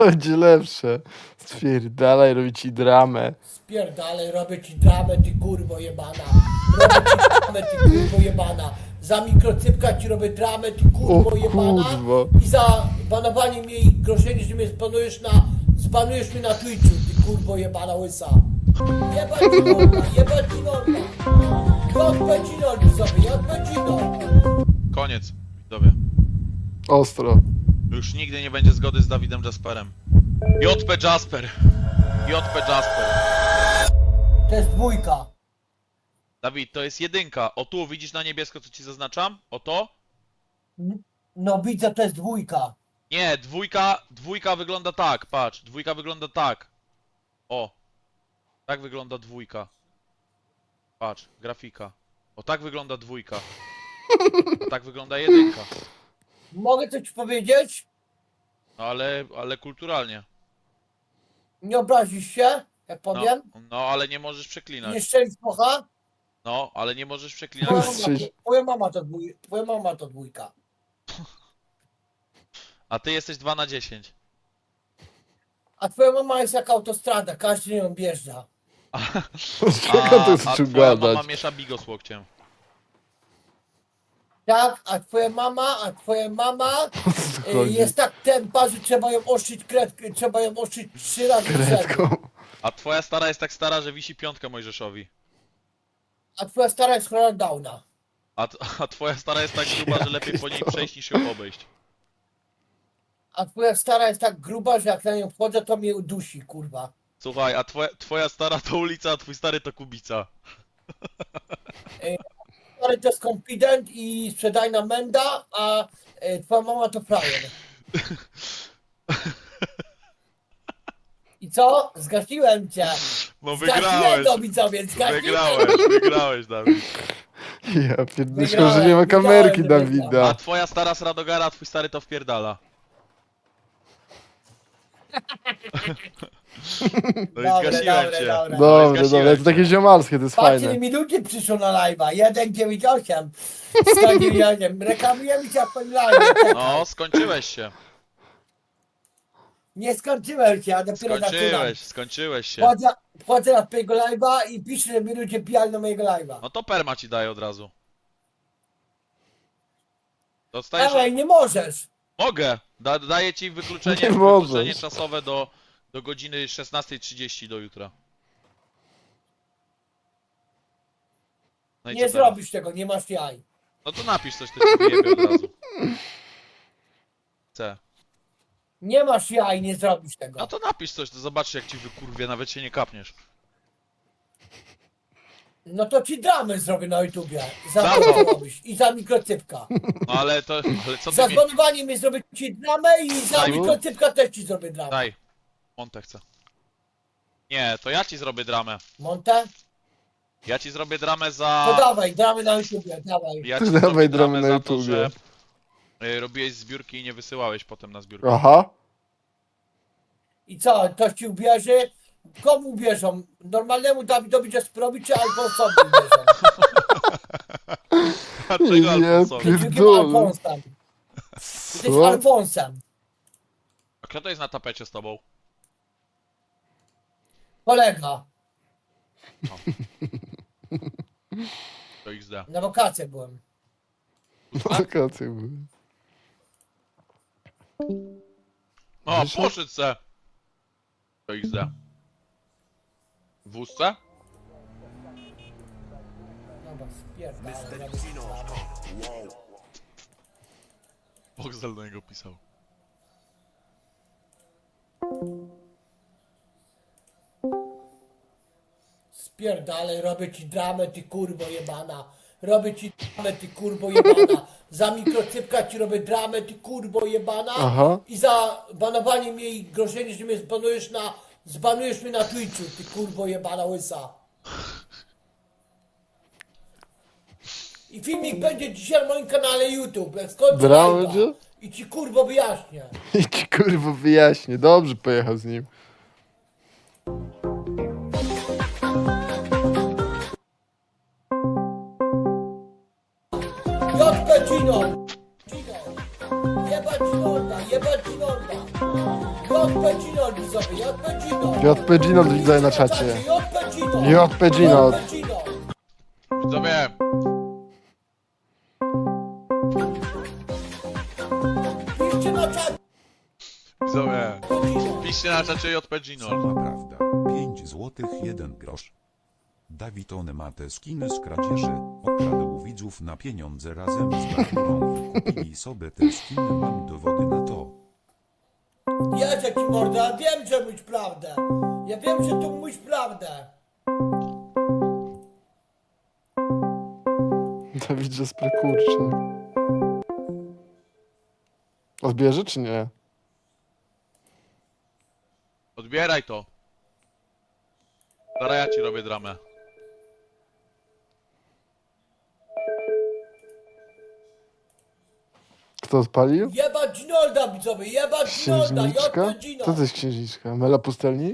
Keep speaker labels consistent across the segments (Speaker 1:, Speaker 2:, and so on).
Speaker 1: Będzie lepsze. Stwierdalaj, robi ci dramę.
Speaker 2: Spierdalaj, robię ci dramę, ty kurwo jebana. Robię ci dramę, ty kurwo jebana. Za mikrocypka ci robię dramę, ty kurwo
Speaker 1: O
Speaker 2: jebana.
Speaker 1: kurwa.
Speaker 2: I za banowanie mnie i grożenie, że mnie zbanujesz mnie na Twitchu, ty kurwo jebana łysa. Jebać ci norma, jebać ci norma. Jebać ci norma sobie, jebać ci norma.
Speaker 3: Koniec, widzowie.
Speaker 1: Ostro.
Speaker 3: Już nigdy nie będzie zgody z Dawidem Jasperem. JP Jasper. JP Jasper.
Speaker 2: To jest dwójka.
Speaker 3: Dawid, to jest jedynka. O tu, widzisz na niebiesko, co ci zaznaczam? O to?
Speaker 2: No widzę, to jest dwójka.
Speaker 3: Nie, dwójka wygląda tak, patrz. Dwójka wygląda tak. O. Tak wygląda dwójka. Patrz, grafika. O, tak wygląda dwójka. A tak wygląda jedynka.
Speaker 2: Mogę coś powiedzieć?
Speaker 3: No ale kulturalnie.
Speaker 2: Nie obrazisz się, jak
Speaker 3: No,
Speaker 2: powiem?
Speaker 3: no ale nie możesz przeklinać.
Speaker 2: Nie strzelisz mocha?
Speaker 3: No, ale nie możesz
Speaker 2: Twoja
Speaker 3: przeklinać.
Speaker 2: mama, twoja mama to twoja mama to dwójka.
Speaker 3: A ty jesteś 2 na 10.
Speaker 2: A twoja mama jest jak autostrada, każdy ją wjeżdża.
Speaker 1: Czego to
Speaker 3: A
Speaker 1: zaczął
Speaker 3: twoja
Speaker 1: gadać?
Speaker 3: mama miesza bigos łokciem.
Speaker 2: Tak, a twoja mama
Speaker 1: O co chodzi?
Speaker 2: jest tak tempa, że trzeba ją ostrzyć kredkę, trzeba ją ostrzyć 3 razy w rzędu.
Speaker 1: Kredką.
Speaker 3: A twoja stara jest tak stara, że wisi piątka Mojżeszowi.
Speaker 2: A twoja stara jest chora Downa.
Speaker 3: A twoja stara jest tak gruba, że lepiej po niej przejść niż ją obejść.
Speaker 2: A twoja stara jest tak gruba, że jak na nią wchodzę, to mnie udusi, kurwa.
Speaker 3: Słuchaj, a twoja stara to ulica, a twój stary to Kubica.
Speaker 2: Stary to jest confident i sprzedajna menda, a twoja mama to frajer. I co? Zgasiłem cię.
Speaker 3: No
Speaker 2: Zgasiłem
Speaker 3: wygrałeś.
Speaker 2: to widzowie, zgasiłem.
Speaker 3: Wygrałeś, Dawid.
Speaker 1: Ja pierdolę, że nie ma kamerki Dawida.
Speaker 3: A twoja stara z Radogara, a twój stary to wpierdala. No i
Speaker 2: Dobre,
Speaker 3: zgasiłem
Speaker 2: dobre,
Speaker 3: cię.
Speaker 2: dobre.
Speaker 1: Dobra,
Speaker 3: zgasiłem
Speaker 1: dobra, to
Speaker 3: cię.
Speaker 1: takie ziomalskie, to jest
Speaker 2: Patrzcie,
Speaker 1: fajne.
Speaker 2: ile minutki przyszło na live'a. 1,98. 198. Reklamujemy cię w tym live'ie.
Speaker 3: No, skończyłeś się.
Speaker 2: Nie skończyłem się, a dopiero zaczynam.
Speaker 3: Skończyłeś się.
Speaker 2: Wchodzę na twojego live'a i piszę, że mi ludzie pijali na mojego live'a.
Speaker 3: No to perma ci daję od razu. Dostajesz...
Speaker 2: Ej, nie możesz.
Speaker 3: Mogę! Daję ci wykluczenie,
Speaker 1: Nie
Speaker 3: wykluczenie
Speaker 1: możesz.
Speaker 3: czasowe do godziny 16:30 do jutra. No i
Speaker 2: Nie
Speaker 3: co teraz?
Speaker 2: zrobisz tego, nie masz jaj.
Speaker 3: No to napisz coś, to ci wyjebie od razu. Chcę.
Speaker 2: Nie masz jaj, nie zrobisz tego.
Speaker 3: No to napisz coś, to zobaczysz jak ci wykurwie, nawet się nie kapniesz.
Speaker 2: No to ci dramę zrobię na YouTubie. Za
Speaker 3: Za
Speaker 2: to,
Speaker 3: co?
Speaker 2: co robisz. I za mikrocypka.
Speaker 3: No ale co
Speaker 2: Za
Speaker 3: ty mi...
Speaker 2: zbanowanie mnie zrobię ci dramę i za
Speaker 3: Daj.
Speaker 2: mikrocypka też ci zrobię dramę.
Speaker 3: Daj. Montę chcę. Nie, to ja ci zrobię dramę.
Speaker 2: Monte?
Speaker 3: Ja ci zrobię dramę
Speaker 2: To
Speaker 3: za...
Speaker 2: dawaj, dramy na YouTubie, dawaj.
Speaker 3: Ja ci
Speaker 1: Dawaj
Speaker 3: zrobię
Speaker 1: dramę
Speaker 3: dramę
Speaker 1: na
Speaker 3: za to,
Speaker 1: YouTubie.
Speaker 3: że robiłeś zbiórki i nie wysyłałeś potem na zbiórkę.
Speaker 1: Aha.
Speaker 2: I co, ktoś ci ubierze? Komu ubierzą? Normalnemu Dawidowi Jasperowi czy Alfonsowi ubierzą?
Speaker 3: Dlaczego
Speaker 1: Ja
Speaker 3: Alfonsowi?
Speaker 2: Ty jakim
Speaker 1: Pierdolę.
Speaker 2: Alfonsem? Jesteś
Speaker 1: Co?
Speaker 2: Alfonsem.
Speaker 3: A kto to jest na tapecie z tobą?
Speaker 2: Kolega.
Speaker 3: To XD.
Speaker 2: Na wakacje byłem.
Speaker 1: Wakacje były.
Speaker 3: O,
Speaker 1: Wyszedł?
Speaker 3: poszedł se! To XD. W wózce?
Speaker 2: Dobra, spierdalaj, robię ci dramę.
Speaker 3: Boxel do niego pisał.
Speaker 2: Spierdalaj, robię ci dramę, ty kurwo jebana. Robię ci dramę, ty kurwo jebana. Za mikrocypka ci robię dramę, ty kurwo jebana.
Speaker 1: Aha.
Speaker 2: I za banowanie mnie i grożenie, że mnie zbanujesz mnie na Twitchu, ty kurwo jebana łysa. I filmik będzie dzisiaj na moim kanale YouTube. Jak skończę
Speaker 1: Drama
Speaker 2: live'a.
Speaker 1: będzie?
Speaker 2: I ci kurwo wyjaśnię.
Speaker 1: I ci kurwa wyjaśnię. Dobrze pojechał z nim.
Speaker 2: Jodkę Gino! Gino! Jebać Norda, jebać Ginolda. JP Ginold widzowie, JP Ginold.
Speaker 1: JP Ginold widzę na czacie.
Speaker 2: JP Ginold.
Speaker 1: JP Ginold.
Speaker 2: JP Ginold.
Speaker 3: Widzowie,
Speaker 2: Piszcie na czacie.
Speaker 3: widzowie.
Speaker 2: Ginold.
Speaker 3: Piszcie na czacie JP Gino.
Speaker 4: Sama prawda. 5 złotych 1 grosz. Dawiton ma te skiny z kradzieży. Okradł widzów na pieniądze razem z naturą i kupili sobie te skiny. Mam dowody na to.
Speaker 2: Jedzie ci morda, ja wiem, że mówisz prawdę. Ja wiem, że tu mówisz prawdę.
Speaker 1: Dawid, że kurczę. Odbierze czy nie?
Speaker 3: Odbieraj to. Zaraz ja ci robię dramę.
Speaker 1: Kto odpalił?
Speaker 2: Jebać Ginolda widzowie, jebać Ginolda,
Speaker 1: Księżniczka?
Speaker 2: JP
Speaker 1: Co to
Speaker 2: Ginold.
Speaker 1: jest księżniczka? Mela Pustelnik?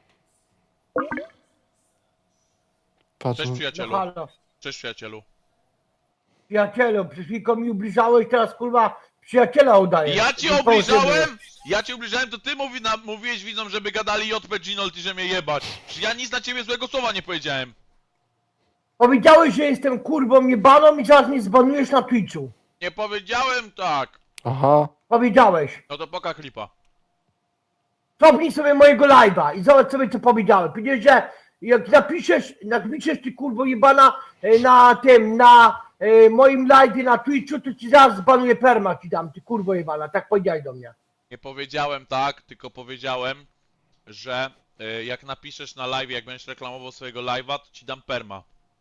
Speaker 1: Patrz,
Speaker 3: Cześć
Speaker 5: No
Speaker 3: przyjacielu.
Speaker 5: halo.
Speaker 3: Cześć przyjacielu.
Speaker 5: Przyjacielu, przed chwilką mi ubliżałeś, teraz kurwa przyjaciela udaję.
Speaker 3: Ja ci obliżałem? Ja ci obliżałem, to ty mówiłeś widzom, żeby gadali JP Ginold i że mnie jebać. Czy ja nic na ciebie złego słowa nie powiedziałem?
Speaker 5: Powiedziałeś, że jestem kurwą jebaną i zaraz mnie zbanujesz na Twitchu.
Speaker 3: Nie powiedziałem tak.
Speaker 1: aha.
Speaker 5: Powiedziałeś.
Speaker 3: No to poka klipa.
Speaker 5: Cofnij sobie mojego live'a i zobacz sobie co powiedziałem. Powiedziałeś, że jak napiszesz ty kurwo jebana na tym, na moim live'ie na Twitchu, to ci zaraz zbanuję perma ci dam, ty kurwo jebana. Tak powiedziałeś do mnie.
Speaker 3: Nie powiedziałem tak, tylko powiedziałem, że jak napiszesz na live, jak będziesz reklamował swojego live'a, to ci dam perma.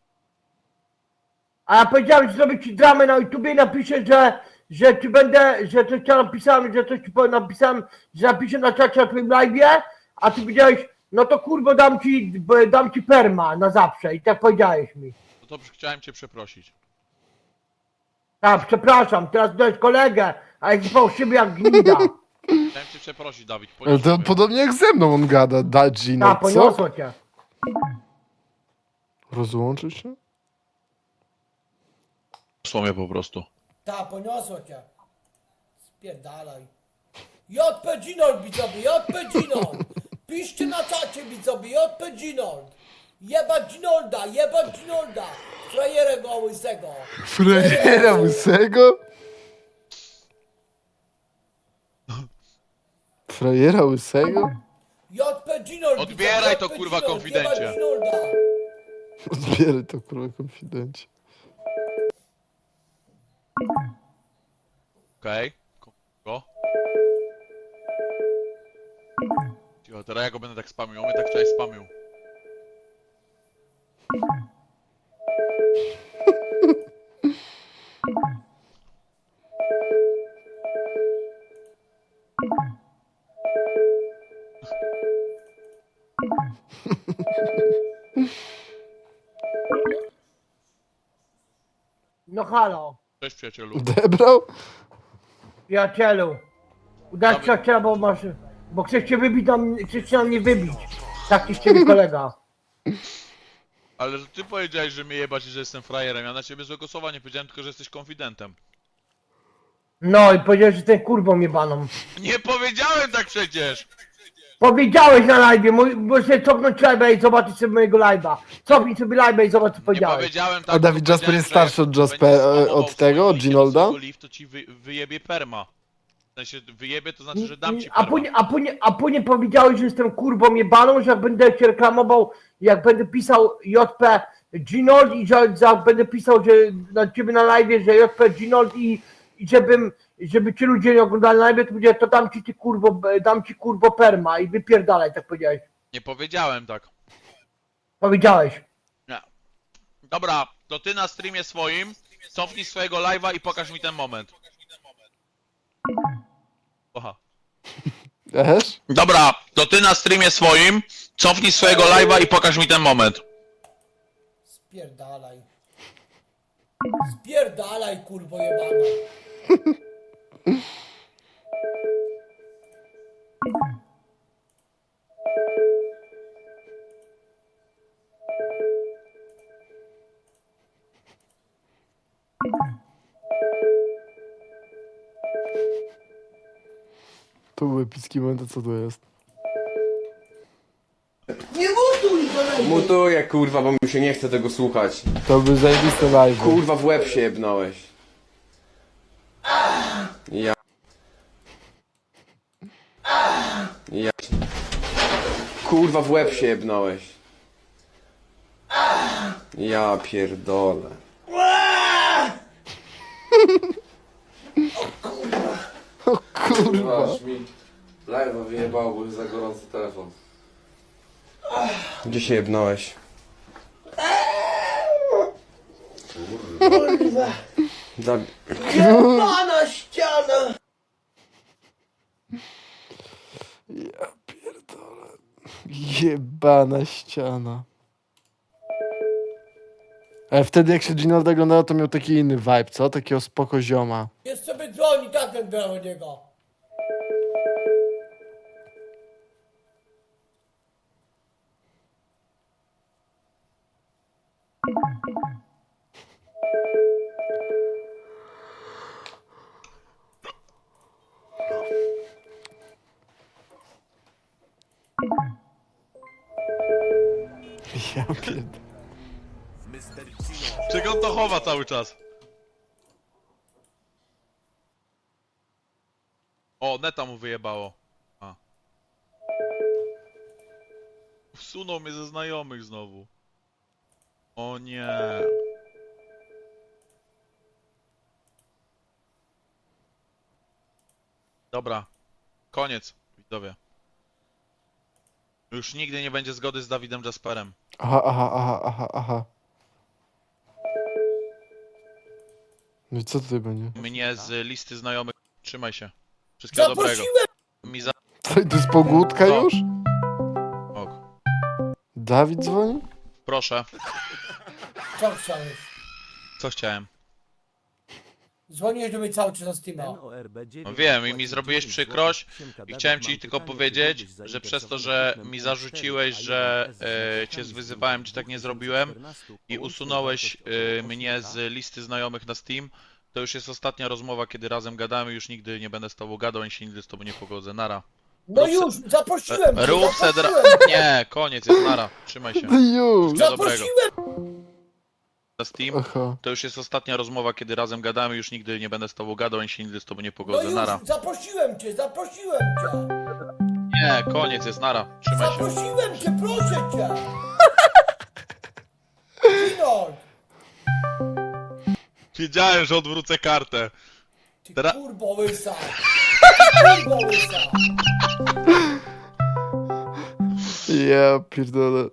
Speaker 5: A ja powiedziałem, że zrobię ci dramę na YouTubie i napiszę, że ci będę, że coś ci napisałem, że coś ci napisałem, że napiszę na czacie na twoim live'ie, a ty powiedziałeś, no to kurwo dam ci perma na zawsze i tak powiedziałeś mi.
Speaker 3: No to chciałem cię przeprosić.
Speaker 5: Tak, przepraszam, teraz dałeś kolegę, a jak fałszywy jak gnida.
Speaker 3: Chciałem cię przeprosić, Dawid.
Speaker 1: To
Speaker 3: Poniosło mnie.
Speaker 1: podobnie jak ze mną on gada, da Gino.
Speaker 5: Tak,
Speaker 1: Co?
Speaker 5: poniosło cię.
Speaker 1: Rozłączył się?
Speaker 3: Poniosło mnie po prostu.
Speaker 2: Ta, poniosło cię. Spierdalaj. JP Ginold widzowie, JP Ginold. Piszcie na czacie widzowie, JP Ginold. Jebać Ginolda, jebać Ginolda. Frajerę go łysego.
Speaker 1: Frajera łysego? Frajera łysego?
Speaker 2: JP Ginold
Speaker 3: Odbieraj
Speaker 2: widzowie,
Speaker 3: to,
Speaker 2: JP
Speaker 3: kurwa,
Speaker 2: Ginold,
Speaker 3: konfidencie.
Speaker 2: jebać Ginolda.
Speaker 1: Odbieraj to kurwa konfidencie.
Speaker 3: Okej. Go. Cicho, teraz ja go będę tak spamił. On mnie tak wczoraj spamił.
Speaker 5: No halo,
Speaker 3: Cześć przyjacielu.
Speaker 1: Odebrał?
Speaker 5: przyjacielu. Udać przyjaciela, bo chcesz cię wybić, chcesz się na mnie wybić. Tak ci z ciebie kolega.
Speaker 3: Ale że ty powiedziałeś, że mnie jebać i że jestem frajerem. Ja na ciebie złego słowa nie powiedziałem, tylko że jesteś konfidentem.
Speaker 5: No i powiedziałeś, że ten kurwą jebaną.
Speaker 3: Nie powiedziałem tak przecież!
Speaker 5: Powiedziałeś na live, bo sobie cofnąć live'a i zobaczyć sobie mojego live'a. Cofnij sobie live'a i zobacz co
Speaker 3: Nie
Speaker 5: powiedziałeś.
Speaker 3: powiedziałem tak.
Speaker 1: A Dawid
Speaker 3: tylko
Speaker 1: Jasper jest
Speaker 3: powiedziałem,
Speaker 1: starszy od
Speaker 3: że jak
Speaker 1: Jasper-
Speaker 3: będziesz spamował
Speaker 1: od tego,
Speaker 3: swojego
Speaker 1: od Ginolda?
Speaker 3: swojego live, to ci wyjebie perma. W sensie wyjebie, to znaczy, że dam ci
Speaker 5: A
Speaker 3: perma.
Speaker 5: później powiedziałeś, że jestem kurwą jebaną, że jak będę cię reklamował, jak będę pisał JP Ginold i że będę pisał, że na ciebie na live, że JP Ginold i żeby ci ludzie nie oglądali na live, to powiedziałem, to dam ci kurwo perma i wypierdalaj, tak powiedziałeś.
Speaker 3: Nie powiedziałem tak.
Speaker 5: Powiedziałeś.
Speaker 3: Nie. Dobra, to ty na streamie swoim cofnij swojego live'a i pokaż mi ten moment. Aha.
Speaker 1: Też?
Speaker 3: Dobra, to ty na streamie swoim cofnij swojego live'a i pokaż mi ten moment.
Speaker 2: Spierdalaj. Spierdalaj kurwo jebana.
Speaker 1: To był epicki moment, a co to jest?
Speaker 2: Nie mutuj do mnie!
Speaker 6: Mutuję, kurwa, bo mi się nie chce tego słuchać.
Speaker 1: To był zajebiste live.
Speaker 6: Kurwa, w łeb się jebnąłeś. Ja... Ja... Kurwa, w łeb się jebnąłeś. Ja pierdolę.
Speaker 1: Kurwa.
Speaker 6: Aż mi live'a wyjebało, bo jest za gorący telefon. Gdzie się jebnąłeś?
Speaker 2: Kurwa!
Speaker 6: Da...
Speaker 2: Jebana ściana!
Speaker 1: Ja pierdolę. Jebana ściana. Ale wtedy jak się Ginolda oglądało, to miał taki inny vibe, co? Takiego spoko zioma.
Speaker 2: Jest sobie dzwoni, tak ten do niego.
Speaker 1: Ja pierdolę.
Speaker 3: Czego on to chowa cały czas? O, neta mu wyjebało. A. Wsunął mnie ze znajomych znowu. O nie. Dobra. Koniec, widzowie. Już nigdy nie będzie zgody z Dawidem Jasperem.
Speaker 1: Aha. No i co tutaj będzie?
Speaker 3: Mnie z listy znajomych. Trzymaj się. Wszystkiego dobrego.
Speaker 2: Zaprosiłem!
Speaker 3: Mi za...
Speaker 1: Co, to jest pogódka
Speaker 3: No.
Speaker 1: już?
Speaker 3: Ok.
Speaker 1: Dawid dzwoni?
Speaker 3: Proszę.
Speaker 2: Co chciałeś?
Speaker 3: Co chciałem?
Speaker 2: Dzwoniłeś do mnie cały czas na Steama.
Speaker 3: No wiem i mi zrobiłeś przykrość i chciałem ci tylko powiedzieć, że przez to, że mi zarzuciłeś, że cię zwyzywałem, czy tak nie zrobiłem i usunąłeś mnie z listy znajomych na Steam, to już jest ostatnia rozmowa, kiedy razem gadamy, już nigdy nie będę z tobą gadał, ani się nigdy z tobą nie pogodzę. Nara.
Speaker 2: No
Speaker 3: Rób se-
Speaker 2: już, zaprosiłem cię,
Speaker 3: Rób se
Speaker 2: zaprosiłem!
Speaker 3: Nie, koniec jest, nara. Trzymaj się.
Speaker 1: No już!
Speaker 3: Wszystkiego dobrego.
Speaker 2: Zaprosiłem!
Speaker 3: Na Steam,
Speaker 1: Aha.
Speaker 3: to już jest ostatnia rozmowa, kiedy razem gadamy, już nigdy nie będę z tobą gadał, ani się nigdy z tobą nie
Speaker 2: No
Speaker 3: pogodzę. Nara.
Speaker 2: już, zaprosiłem cię, zaprosiłem cię!
Speaker 3: Nie, koniec jest, nara. Trzymaj się.
Speaker 2: Zaprosiłem cię, proszę cię! Ginold!
Speaker 3: Wiedziałem, że odwrócę kartę.
Speaker 2: Ty
Speaker 3: Teraz-
Speaker 2: kurbo łysa! Ty kurbo łysa!
Speaker 1: Ja pierdolę.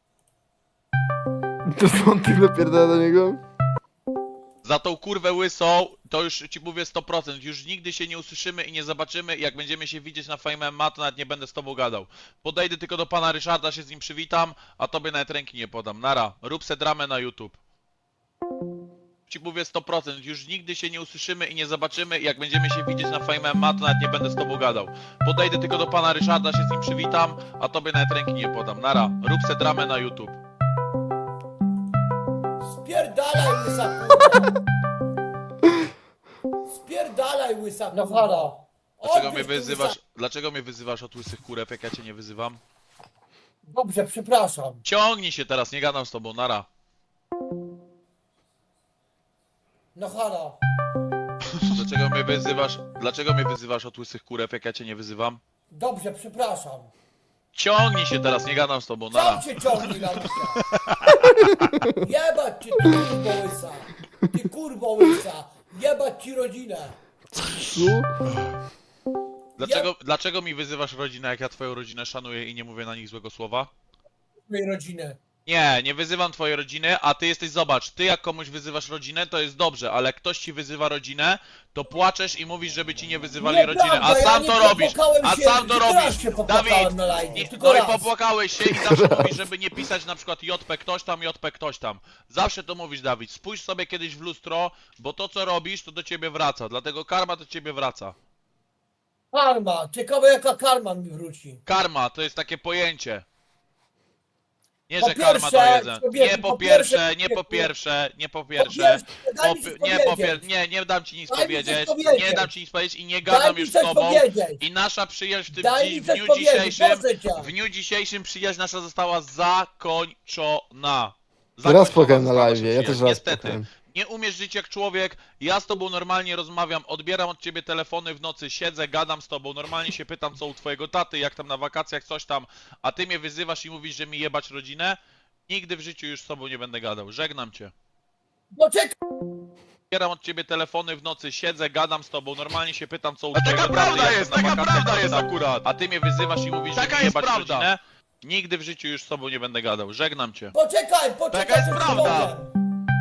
Speaker 1: To są tyle pierdolę do niego?
Speaker 3: Za tą kurwę łysą, to już ci mówię 100%. Już nigdy się nie usłyszymy i nie zobaczymy. Jak będziemy się widzieć na Fame MMA, to nawet nie będę z tobą gadał. Podejdę tylko do pana Ryszarda, się z nim przywitam, a tobie nawet ręki nie podam. Nara, rób se dramę na YouTube. Ci mówię 100%. Już nigdy się nie usłyszymy i nie zobaczymy. Jak będziemy się widzieć na Fame MMA, to nawet nie będę z tobą gadał. Podejdę tylko do pana Ryszarda, się z nim przywitam, a tobie nawet ręki nie podam. Nara, rób se dramę na YouTube.
Speaker 2: Spierdalaj łysa kurwa! Spierdalaj łysa kurwa! No halo!
Speaker 3: Dlaczego mnie wyzywasz od łysych kurew, jak ja cię nie wyzywam?
Speaker 2: Dobrze, przepraszam.
Speaker 3: Ciągnij się teraz, nie gadam z tobą, nara.
Speaker 2: No halo!
Speaker 3: Dlaczego mnie wyzywasz od łysych kurew, jak ja cię nie wyzywam?
Speaker 2: Dobrze, przepraszam.
Speaker 3: Ciągnij się teraz, nie gadam z tobą, nara.
Speaker 2: Sam cię ciągnij na łysa! Jebać cię, ty kurbo łysa! Ty kurbo łysa! Jebać ci rodzinę!
Speaker 1: Co?
Speaker 3: Dlaczego mi wyzywasz rodzinę, jak ja twoją rodzinę szanuję i nie mówię na nich złego słowa?
Speaker 2: Twojej rodziny.
Speaker 3: Nie wyzywam twojej rodziny, a ty jesteś, zobacz, ty jak komuś wyzywasz rodzinę, to jest dobrze, ale jak ktoś ci wyzywa rodzinę, to płaczesz i mówisz, żeby ci nie wyzywali
Speaker 2: Nieprawda,
Speaker 3: rodziny, a
Speaker 2: ja
Speaker 3: sam
Speaker 2: nie
Speaker 3: to robisz,
Speaker 2: popłakałem
Speaker 3: a
Speaker 2: się,
Speaker 3: sam to
Speaker 2: tylko
Speaker 3: robisz,
Speaker 2: raz się popłakałem
Speaker 3: Dawid,
Speaker 2: na live, tylko
Speaker 3: no i
Speaker 2: raz.
Speaker 3: popłakałeś się i zawsze mówisz, żeby nie pisać na przykład JP ktoś tam, zawsze to mówisz, Dawid, spójrz sobie kiedyś w lustro, bo to co robisz, to do ciebie wraca, dlatego karma do ciebie wraca.
Speaker 2: Karma! Ciekawe jaka karma mi wróci.
Speaker 3: Karma to jest takie pojęcie. Nie,
Speaker 2: Po
Speaker 3: że karma
Speaker 2: pierwsze,
Speaker 3: to jeden.
Speaker 2: człowieku,
Speaker 3: Nie po
Speaker 2: po
Speaker 3: pierwsze,
Speaker 2: pierwsze,
Speaker 3: nie po pierwsze, nie po
Speaker 2: Po
Speaker 3: pierwsze.
Speaker 2: pierwsze, daj mi coś
Speaker 3: Nie po
Speaker 2: powiedzieć.
Speaker 3: pierwsze, nie dam ci nic
Speaker 2: Daj mi coś
Speaker 3: powiedzieć.
Speaker 2: powiedzieć.
Speaker 3: Nie dam ci nic powiedzieć i nie
Speaker 2: Daj
Speaker 3: gadam
Speaker 2: mi
Speaker 3: już z
Speaker 2: coś
Speaker 3: tobą.
Speaker 2: powiedzieć.
Speaker 3: I nasza przyjaźń w tym
Speaker 2: Daj mi
Speaker 3: w
Speaker 2: coś
Speaker 3: dniu
Speaker 2: powiedzieć,
Speaker 3: dzisiejszym.
Speaker 2: proszę cię.
Speaker 3: W dniu dzisiejszym przyjaźń nasza została zakończona.
Speaker 1: Raz
Speaker 3: Zakończona
Speaker 1: płakałem na
Speaker 3: została
Speaker 1: live,
Speaker 3: nasza
Speaker 1: ja
Speaker 3: przyjaźń.
Speaker 1: też raz
Speaker 3: Niestety.
Speaker 1: płakałem.
Speaker 3: Nie umiesz żyć jak człowiek, ja z tobą normalnie rozmawiam, odbieram od ciebie telefony w nocy, siedzę, gadam z tobą, normalnie się pytam co u twojego taty, jak tam na wakacjach, coś tam, a ty mnie wyzywasz i mówisz, że mi jebać rodzinę? Nigdy w życiu już z tobą nie będę gadał, żegnam cię.
Speaker 2: Poczekaj,
Speaker 3: Odbieram od ciebie telefony w nocy, siedzę, gadam z tobą, normalnie się pytam co u twojego taty, jak tam na wakacjach, coś tam, akurat. A ty mnie wyzywasz i mówisz, że mi jebać rodzinę? Nigdy w życiu już z tobą nie będę gadał, żegnam cię.
Speaker 2: poczekaj,
Speaker 3: Taka jest
Speaker 2: coś ci
Speaker 3: prawda.
Speaker 2: powiem.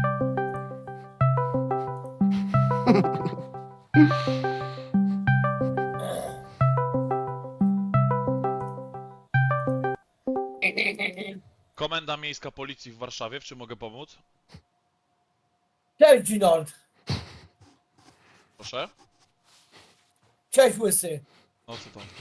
Speaker 3: Komenda Miejska Policji w Warszawie, w czym mogę pomóc?
Speaker 2: Cześć, Ginold.
Speaker 3: Proszę?
Speaker 2: Cześć, Łysy.
Speaker 3: No co tam?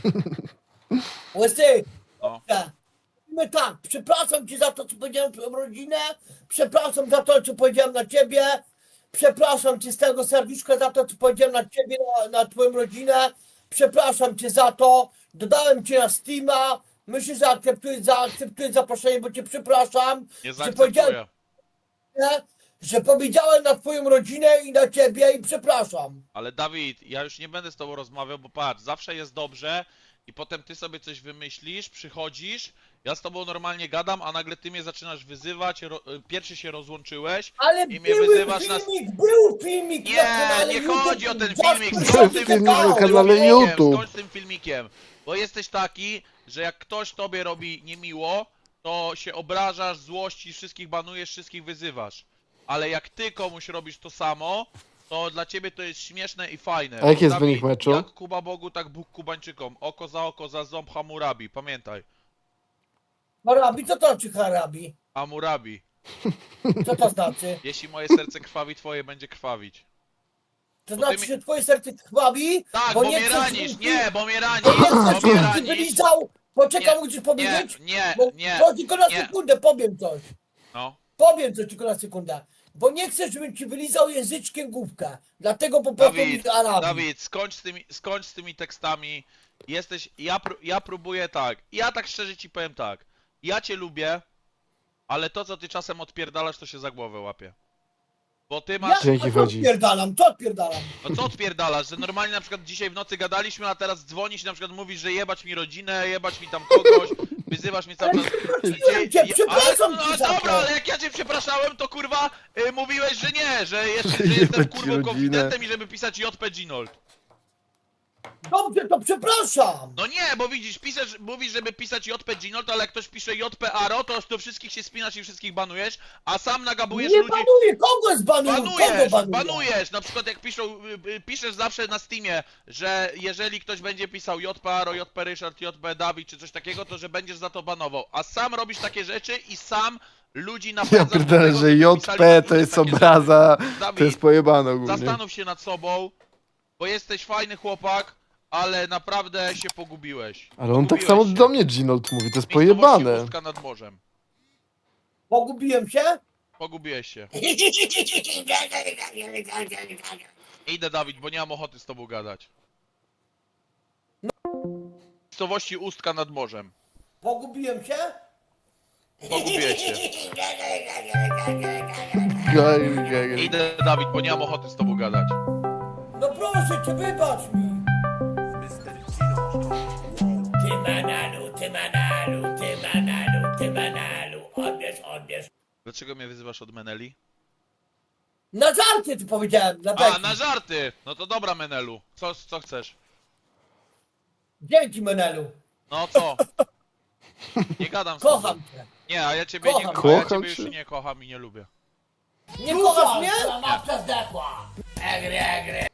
Speaker 2: Łysy.
Speaker 3: No.
Speaker 2: My tak, przepraszam cię za to, co powiedziałem na twoją rodzinę, przepraszam za to, co powiedziałem na ciebie, przepraszam cię z tego serduszka za to, co powiedziałem na ciebie, na twoją rodzinę, przepraszam cię za to, dodałem cię na Steama, myślę, że zaakceptuję zaproszenie, bo cię przepraszam,
Speaker 3: Nie
Speaker 2: że powiedziałem,
Speaker 3: zaakceptuję.
Speaker 2: że powiedziałem na twoją rodzinę i na ciebie i przepraszam.
Speaker 3: Ale Dawid, ja już nie będę z tobą rozmawiał, bo patrz, zawsze jest dobrze i potem ty sobie coś wymyślisz, przychodzisz, ja z tobą normalnie gadam, a nagle ty mnie zaczynasz wyzywać, pierwszy się rozłączyłeś.
Speaker 2: Ale
Speaker 3: I mnie
Speaker 2: był
Speaker 3: wyzywasz na-
Speaker 2: filmik na
Speaker 3: Nie,
Speaker 2: kanale
Speaker 3: nie
Speaker 2: YouTube.
Speaker 3: chodzi o ten
Speaker 2: Jasper
Speaker 3: filmik,
Speaker 1: skończ
Speaker 3: skończ
Speaker 1: filmik
Speaker 3: skończ
Speaker 1: na
Speaker 3: tym
Speaker 1: kanale
Speaker 3: filmikiem,
Speaker 1: YouTube.
Speaker 3: skończ z tym filmikiem, bo jesteś taki, że jak ktoś tobie robi niemiło, to się obrażasz, złościsz, wszystkich banujesz, wszystkich wyzywasz. Ale jak ty komuś robisz to samo, to dla ciebie to jest śmieszne i fajne.
Speaker 1: A jaki jest
Speaker 3: Dawid,
Speaker 1: wynik meczu?
Speaker 3: Jak Kuba Bogu, tak Bóg Kubańczykom. Oko, za ząb Hammurabi, pamiętaj.
Speaker 2: Harabi, co to znaczy Harabi?
Speaker 3: Hammurabi.
Speaker 2: Co to znaczy?
Speaker 3: Jeśli moje serce krwawi, twoje będzie krwawić.
Speaker 2: To
Speaker 3: Bo ty
Speaker 2: znaczy,
Speaker 3: mi-
Speaker 2: że twoje serce krwawi?
Speaker 3: Tak, bo
Speaker 2: nie
Speaker 3: mnie
Speaker 2: chcesz,
Speaker 3: ranisz,
Speaker 2: żebym
Speaker 3: nie,
Speaker 2: ci-
Speaker 3: bo mnie ranisz,
Speaker 2: Bo nie chcesz,
Speaker 3: bo mnie
Speaker 2: żebym ci
Speaker 3: ranisz.
Speaker 2: wylizał. Poczekaj,
Speaker 3: Nie,
Speaker 2: mogę ci powiedzieć?
Speaker 3: Nie,
Speaker 2: Bo
Speaker 3: nie,
Speaker 2: to tylko na
Speaker 3: nie.
Speaker 2: sekundę, powiem coś.
Speaker 3: No.
Speaker 2: Powiem coś tylko na sekundę. Bo nie chcę, żebym ci wylizał języczkiem główkę. Dlatego po prostu
Speaker 3: Dawid,
Speaker 2: mi Arabii.
Speaker 3: Dawid, skończ z tymi tekstami. Jesteś, ja próbuję tak. Ja tak szczerze ci powiem tak. Ja cię lubię, ale to co ty czasem odpierdalasz, to się za głowę łapie. Bo ty masz.
Speaker 1: Dzięki,
Speaker 2: a co
Speaker 1: chodzi.
Speaker 2: odpierdalam? Co odpierdalam?
Speaker 3: No co odpierdalasz? Że normalnie na przykład dzisiaj w nocy gadaliśmy, a teraz dzwonisz i na przykład mówisz, że jebać mi rodzinę, jebać mi tam kogoś, wyzywasz mnie cały czas.
Speaker 2: Przepraszam cię, przepraszam
Speaker 3: ale,
Speaker 2: cię
Speaker 3: no
Speaker 2: za
Speaker 3: dobra,
Speaker 2: to.
Speaker 3: ale jak ja cię przepraszałem, to kurwa mówiłeś, że nie, że jestem
Speaker 1: Jebać ci
Speaker 3: kurwą
Speaker 1: rodzinę.
Speaker 3: konfidentem i żeby pisać JP Ginold.
Speaker 2: Dobrze, to przepraszam.
Speaker 3: No nie, bo widzisz, mówisz, żeby pisać JP Ginold, ale jak ktoś pisze JP Aro, to do wszystkich się spinasz i wszystkich banujesz, a sam nagabujesz
Speaker 2: Nie
Speaker 3: ludzi.
Speaker 2: banuję, kogo zbanuję? Kogo banuję?
Speaker 3: Banujesz, na przykład jak piszesz zawsze na Steamie, że jeżeli ktoś będzie pisał JP Aro, JP Ryszard, JP Dawid czy coś takiego, to że będziesz za to banował, a sam robisz takie rzeczy i sam ludzi napędzasz
Speaker 1: Ja
Speaker 3: do
Speaker 1: pierdolę,
Speaker 3: tego,
Speaker 1: że
Speaker 3: żeby
Speaker 1: JP
Speaker 3: pisali na
Speaker 1: to jest
Speaker 3: takie rzeczy.
Speaker 1: obraza,
Speaker 3: Dawid,
Speaker 1: to jest pojebane ogólnie.
Speaker 3: zastanów się nad sobą, bo jesteś fajny chłopak, ale naprawdę się pogubiłeś.
Speaker 1: Ale on tak
Speaker 3: Pogubiłeś
Speaker 1: samo
Speaker 3: się.
Speaker 1: do mnie Ginold mówi, to jest
Speaker 3: Miejscowości
Speaker 1: pojebane.
Speaker 3: Ustka nad morzem.
Speaker 2: Pogubiłem się?
Speaker 3: Pogubiłeś się. Idę, Dawid, bo nie mam ochoty z tobą gadać. Miejscowości Ustka nad morzem.
Speaker 2: Pogubiłem się?
Speaker 3: Pogubiłeś się.
Speaker 1: Gaj, gaj, gaj.
Speaker 3: Idę, Dawid, bo nie mam ochoty z tobą gadać.
Speaker 2: No proszę cię, wybacz mi. Ty manalu, ty manalu, ty manalu, ty manalu. Odbierz.
Speaker 3: Dlaczego mnie wyzywasz od Meneli?
Speaker 2: Na żarty ty powiedziałem, dla
Speaker 3: A,
Speaker 2: Beki.
Speaker 3: na żarty! No to dobra, Menelu. Co chcesz?
Speaker 2: Dzięki, Menelu.
Speaker 3: No co? Nie gadam z tobą.
Speaker 2: Kocham cię.
Speaker 3: Nie, a ja ciebie,
Speaker 2: Kocham.
Speaker 3: nie, a ja
Speaker 1: Kocham
Speaker 3: ciebie już
Speaker 1: cię.
Speaker 3: nie kocham i nie lubię.
Speaker 2: Nie kochasz mnie?
Speaker 7: Matka zdechła. Egry.